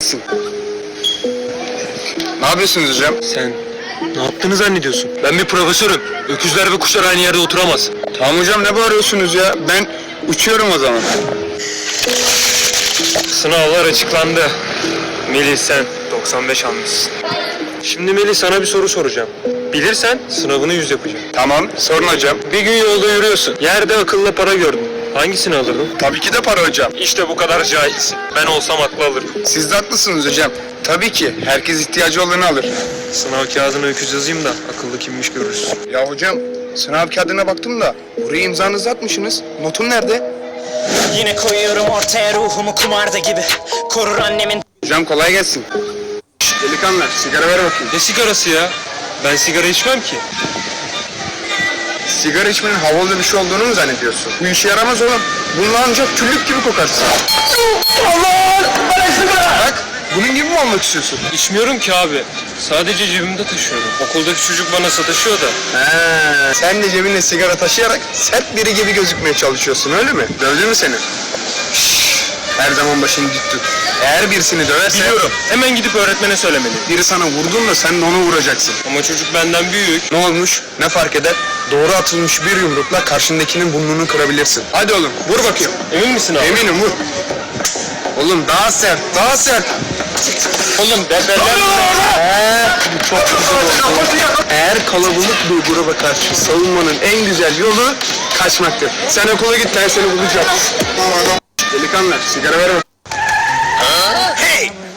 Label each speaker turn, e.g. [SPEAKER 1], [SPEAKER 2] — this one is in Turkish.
[SPEAKER 1] haklısın. Ne yapıyorsunuz hocam?
[SPEAKER 2] Sen ne yaptığını zannediyorsun? Ben bir profesörüm. Öküzler ve kuşlar aynı yerde oturamaz.
[SPEAKER 1] Tamam hocam, ne bağırıyorsunuz ya? Ben uçuyorum o zaman.
[SPEAKER 2] Sınavlar açıklandı. Melih sen 95 almışsın. Şimdi Melih sana bir soru soracağım. Bilirsen sınavını 100 yapacağım.
[SPEAKER 1] Tamam, sorun hocam.
[SPEAKER 2] Bir gün yolda yürüyorsun. Yerde akıllı para gördün. Hangisini alırdın?
[SPEAKER 1] Tabii ki de para hocam.
[SPEAKER 2] İşte bu kadar cahilsin. Ben olsam aklı alırdım.
[SPEAKER 1] Siz de haklısınız hocam. Tabii ki herkes ihtiyacı olanı alır.
[SPEAKER 2] Sınav kağıdına öküz yazayım da akıllı kimmiş görürüz.
[SPEAKER 1] Ya hocam, sınav kağıdına baktım da buraya imzanızı atmışsınız. Notun nerede?
[SPEAKER 3] Yine koyuyorum ortaya ruhumu kumarda gibi. Korur annemin.
[SPEAKER 1] Hocam kolay gelsin. Delikanlı, sigara ver bakayım.
[SPEAKER 2] Ne sigarası ya? Ben sigara içmem ki.
[SPEAKER 1] Sigara içmenin havalı bir şey olduğunu mu zannediyorsun? Bu işe yaramaz oğlum. Bununla ancak küllük gibi kokarsın. Allah! Bana sigara! Bak, bunun gibi mi olmak istiyorsun?
[SPEAKER 2] İçmiyorum ki abi. Sadece cebimde taşıyorum. Okuldaki çocuk bana sataşıyor da.
[SPEAKER 1] He, sen de cebinde sigara taşıyarak sert biri gibi gözükmeye çalışıyorsun, öyle mi? Dövdü mü seni? Şşş, her zaman başını dik tut. Eğer birisini döverse...
[SPEAKER 2] Biliyorum. Hemen gidip öğretmene söylemeliyim.
[SPEAKER 1] Biri sana vurdun da sen de onu vuracaksın.
[SPEAKER 2] Ama çocuk benden büyük.
[SPEAKER 1] Ne olmuş? Ne fark eder? Doğru atılmış bir yumrukla karşındakinin burnunu kırabilirsin. Hadi oğlum, vur bakayım.
[SPEAKER 2] Emin misin abi?
[SPEAKER 1] Eminim, vur. Oğlum daha sert, daha sert.
[SPEAKER 2] Oğlum
[SPEAKER 1] Bu çok güzel oldu. Eğer kalabalık bir gruba karşı savunmanın en güzel yolu kaçmaktır. Sen okula git, ben seni bulacağım. Delikanlı, sigara ver bakayım.